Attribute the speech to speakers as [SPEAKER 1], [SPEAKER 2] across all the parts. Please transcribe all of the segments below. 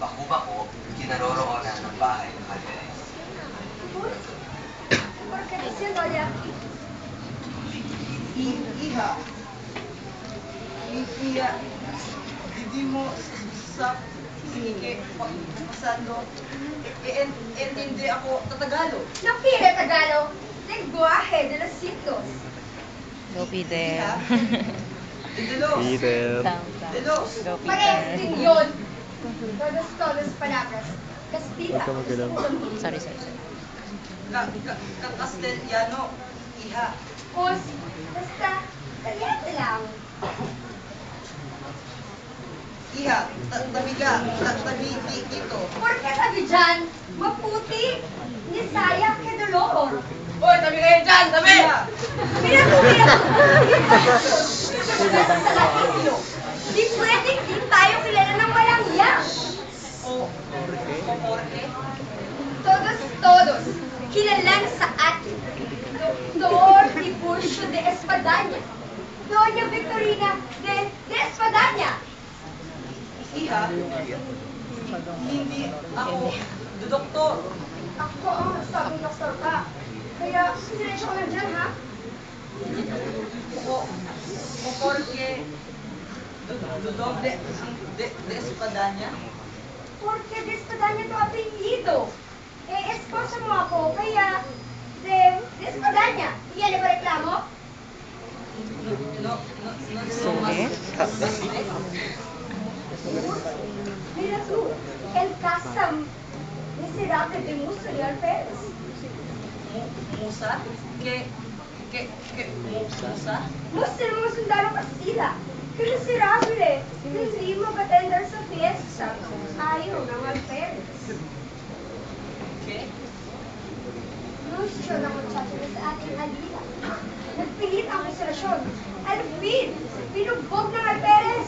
[SPEAKER 1] bako-bako, kinaroroonan ng bahay ng Alvarez.
[SPEAKER 2] Porque diciendo allá.
[SPEAKER 3] Iha. Iha. Hindi mo sa sige pasando. Hindi ako tatagalo.
[SPEAKER 2] No pide Tagalog. Lenguaje de los siglos.
[SPEAKER 4] Go Peter.
[SPEAKER 3] Delos.
[SPEAKER 5] Peter.
[SPEAKER 3] Delos.
[SPEAKER 4] Go
[SPEAKER 2] Parehas
[SPEAKER 4] Peter.
[SPEAKER 2] din yun. Todos palabras. Castilla.
[SPEAKER 5] Huwag ka magalaw.
[SPEAKER 4] Sorry, sorry, sorry.
[SPEAKER 3] Castellano. Iha.
[SPEAKER 2] Pues, basta, kaliate lang.
[SPEAKER 3] Iha. Tabi ka. Tabi dito.
[SPEAKER 2] Porque sabi dyan, maputi. Ni saya que dolor.
[SPEAKER 3] Hoy, tabi kayo dyan. Tabi!
[SPEAKER 2] Mira tú, mira tú. Sa Latino. Di pwedeng di tayo kilala ng walang yan.
[SPEAKER 3] O Jorge.
[SPEAKER 2] Todos, kilalang sa atin. Doctor Tiburcio de Espadaña. Doña Victorina de Espadaña.
[SPEAKER 3] Iha. Hindi ako doktor.
[SPEAKER 2] Ako ang sabing doktor ka. Kaya, sinensya ko lang dyan, ha?
[SPEAKER 3] O Jorge. Dudog de Espadanya.
[SPEAKER 2] Porque de Espadaña to apelyido. Esposa mo ako, kaya de Espadaña. Iyan ba reklamo?
[SPEAKER 3] No
[SPEAKER 4] Sorry.
[SPEAKER 2] Mira tú, el casa miserable de Musa y Alpérez.
[SPEAKER 3] Musa? Musa?
[SPEAKER 2] Musa ng mga sundalo Kastila. Que miserable. Hindi mag-attendar sa fiesta. Ayaw ng Alpérez.
[SPEAKER 3] ¿Qué?
[SPEAKER 2] Anuncio ng muchacho na sa ating alila. Nagpilit ang akusasyon. Alvin, binugbog ng Alpérez.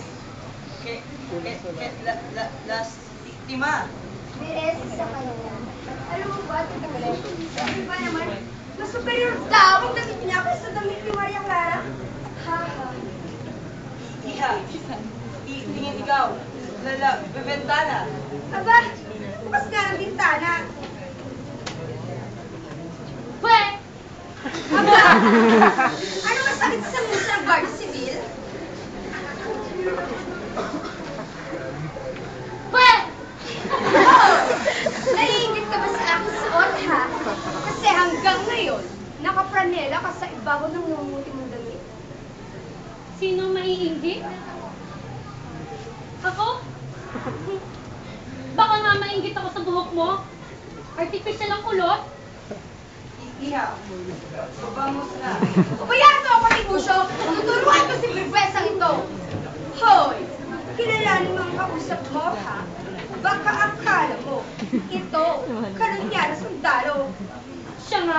[SPEAKER 3] Lastima.
[SPEAKER 2] Beres sa kanya. Alam mo ba, Tito? Sabi ba naman, mas superior daw ang damit niya kaysa damit ni Maria Clara? Haha.
[SPEAKER 3] Iha. Tingin ikaw. Bebentana.
[SPEAKER 2] Aba, bukas nga ng bintana. Pwe! Aba! Ano masakit sa musa ng Guardia Civil? Pwe! Oh! Naiingit ka ba sa aking suot, ha? Kasi hanggang ngayon, nakapranela ka sa ibabaw ng numuti mong damit.
[SPEAKER 6] Sino maiinggit? Ako? Baka nga mainggit ako sa buhok mo. Artificial ang kulot.
[SPEAKER 3] Iha. Vamos na.
[SPEAKER 2] Ubayaan mo ako, Tiburcio! Tuturuan ko si Berguesang ito! Hoy! Kilalanin mo ang kausap mo, ha? Baka akala mo, ito, karunya na sundalo.
[SPEAKER 6] Siya nga?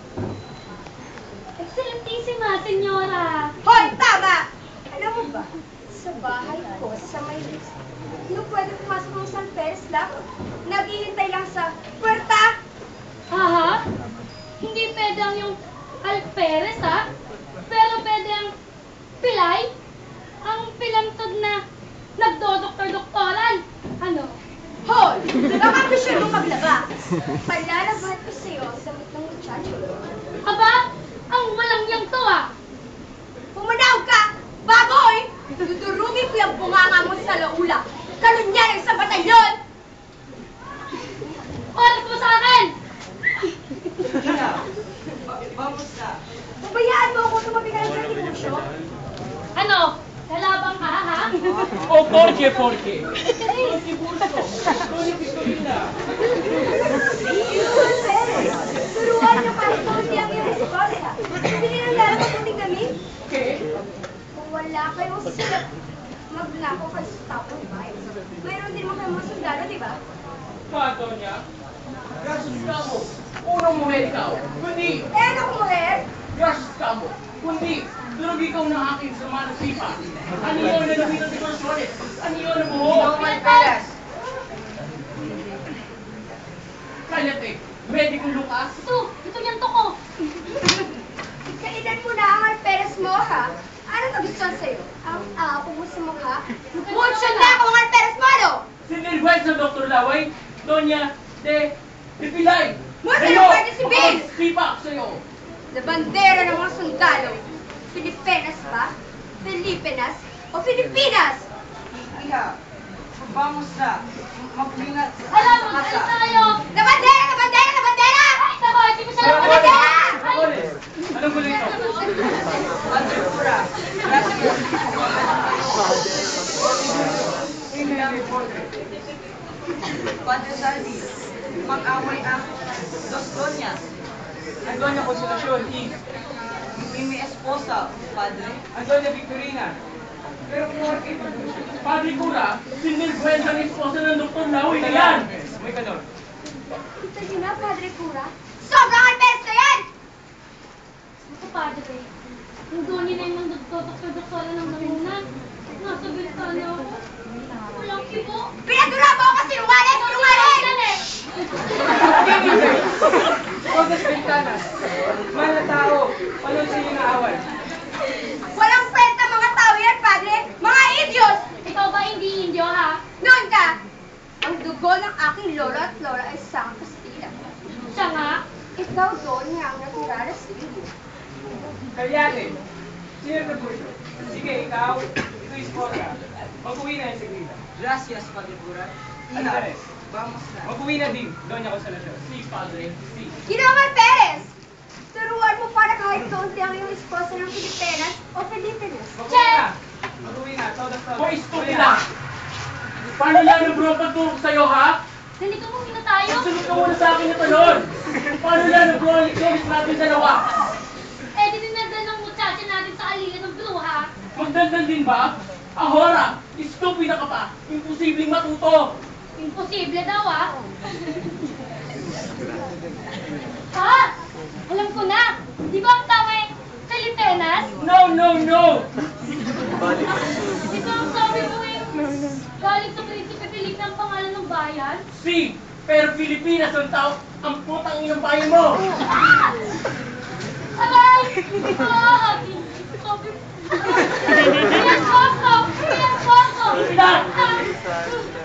[SPEAKER 6] Excelentísima, senyora.
[SPEAKER 2] Hoy, tama! Alam mo ba, sa bahay ko sa Maynila, hindi pwede pumasok ng San Perez lang. Naghihintay lang sa puwerta.
[SPEAKER 6] Aha? Hindi pwede ang yung Alperes, ha? Pero pwede ang Pilay? Ang pilantod na nagdodoktor-doktoran. Ano?
[SPEAKER 2] Hoy! Baka gusto mo maglaba. Palalabahan ko sa'yo ang damit ng muchacho.
[SPEAKER 6] Aba, ang walang yang to, ah.
[SPEAKER 2] Pumanaw ka! Baboy! Dudurugin ko yung bunganga mo sa laula. Kalunya ng isang batalyon!
[SPEAKER 6] Oras mo sa akin!
[SPEAKER 3] Iha. Vamos na.
[SPEAKER 2] Pabayaan mo ako tumabi ka ng Tiburcio.
[SPEAKER 6] Ano? Lalabang ka, ha?
[SPEAKER 7] O porque?
[SPEAKER 2] Turuan niyo kahit kaunti ang iyong esposa. Hindi nang lalabang kuting kami. Kung wala kayong silap, magnako kayo sa tapong bahay. Mayroon din mo kayong mga sundalo, di ba?
[SPEAKER 7] Pato niya? Gracias ka mo. Unang mujer ikaw. Kundi,
[SPEAKER 2] Ano kung mujer?
[SPEAKER 7] gracias ka mo. Kundi, durog ikaw na aking sama ng sipa. Ano yun na nabitan si Consueles? Ano yun na buhok?
[SPEAKER 3] Alperes.
[SPEAKER 7] Kanyate, medikong lukas.
[SPEAKER 6] Ito yan to ko.
[SPEAKER 2] Kailan mo na ang Alperes mo, ha? Ano nagustuhan sa'yo? Ang apo mo sa mukha? Mucho na ako ang Alperes mo, ano?
[SPEAKER 7] Si Nilwes Kahit sa Dr. Laway, Doña de Pilay.
[SPEAKER 2] Muna
[SPEAKER 7] Kayo,
[SPEAKER 2] na pwede si
[SPEAKER 7] ako
[SPEAKER 2] Vince!
[SPEAKER 7] magsipa sa'yo.
[SPEAKER 2] Na bandera ng mga sundalo. Pilipinas ba? Pilipinas? O Pilipinas?
[SPEAKER 3] Iha, vamos na. Mag-ingat
[SPEAKER 6] Alam mo,
[SPEAKER 3] sa
[SPEAKER 6] alis
[SPEAKER 3] kasa.
[SPEAKER 6] na kayo!
[SPEAKER 2] Na bandera! Na bandera! Na bandera!
[SPEAKER 6] Ay, nako, hindi mo siya
[SPEAKER 7] Ano
[SPEAKER 6] naman
[SPEAKER 7] ba?
[SPEAKER 6] Ay!
[SPEAKER 7] Olis, anong gulo ito?
[SPEAKER 3] Padre Cura, gracias. Padre Salvi, mag-away ang Dos Doñas.
[SPEAKER 7] Ang Doña Consolacion is
[SPEAKER 3] Mi esposa, Padre.
[SPEAKER 7] ang Doña Victorina. Pero kung Padre Cura, si Miguel ang esposa ng Dr. Laway na yan. May ganon.
[SPEAKER 2] Kita niyo na, Padre Cura? Sobrang alpes na yan!
[SPEAKER 6] Ako, padre. Yung doon niya na yung nagdodoktor-doktora ng namuna. Nasa bintana ako. Walang kibo.
[SPEAKER 2] Pinadura mo ako sinungaling! Sinungaling!
[SPEAKER 7] Todas Ventanas, mahal na tao, walang sino na away.
[SPEAKER 2] Walang kwenta mga tao yan, Padre! Mga idios!
[SPEAKER 6] Ikaw ba hindi Indio, ha?
[SPEAKER 2] Noon ka! Ang dugo ng aking lolo at lola ay sang Kastila.
[SPEAKER 6] Siya nga.
[SPEAKER 2] Ikaw doon niya ang naturala sa iyo.
[SPEAKER 7] Kalyate, sino na po ito? Sige, ikaw, ito is Porta. Mag-uwi na yung Sigrita.
[SPEAKER 3] Gracias, Padre Cura. Iha,
[SPEAKER 7] Andres,
[SPEAKER 3] vamos na.
[SPEAKER 7] mag-uwi na din, Doña Consolacion. Si Padre, si.
[SPEAKER 2] Ginoong Perez! Turuan mo para kahit kaunti ang iyong esposa ng Pilipinas o Pilipinas.
[SPEAKER 7] Mag-uwi na. Mag-uwi na, todas. Hoy, stupida! Paano yan ang bro pagtulog sa'yo, ha?
[SPEAKER 6] Nandito mo muna tayo.
[SPEAKER 7] Sunod ka muna sa akin na talon! Paano yan ang bro licorice natin dalawa?
[SPEAKER 6] Eh, di dinadal ng muchacha natin sa alila ng bruha.
[SPEAKER 7] Magdandal din ba? Ahora! Stupida ka pa! Imposibleng matuto!
[SPEAKER 6] Imposible daw, ah. Ha? Alam ko na. Di ba ang tama eh? Pilipinas?
[SPEAKER 7] No, no, no!
[SPEAKER 6] Di ba ang sabi mo eh? Galing sa Prinsipe Felipe ang pangalan ng bayan?
[SPEAKER 7] Si! Pero Pilipinas ang tao, ang putang inang bayan mo!
[SPEAKER 6] Aray! Ah! Sabi mo. Iyan po ako! Iyan po ako!
[SPEAKER 7] Stupida!
[SPEAKER 6] Ah!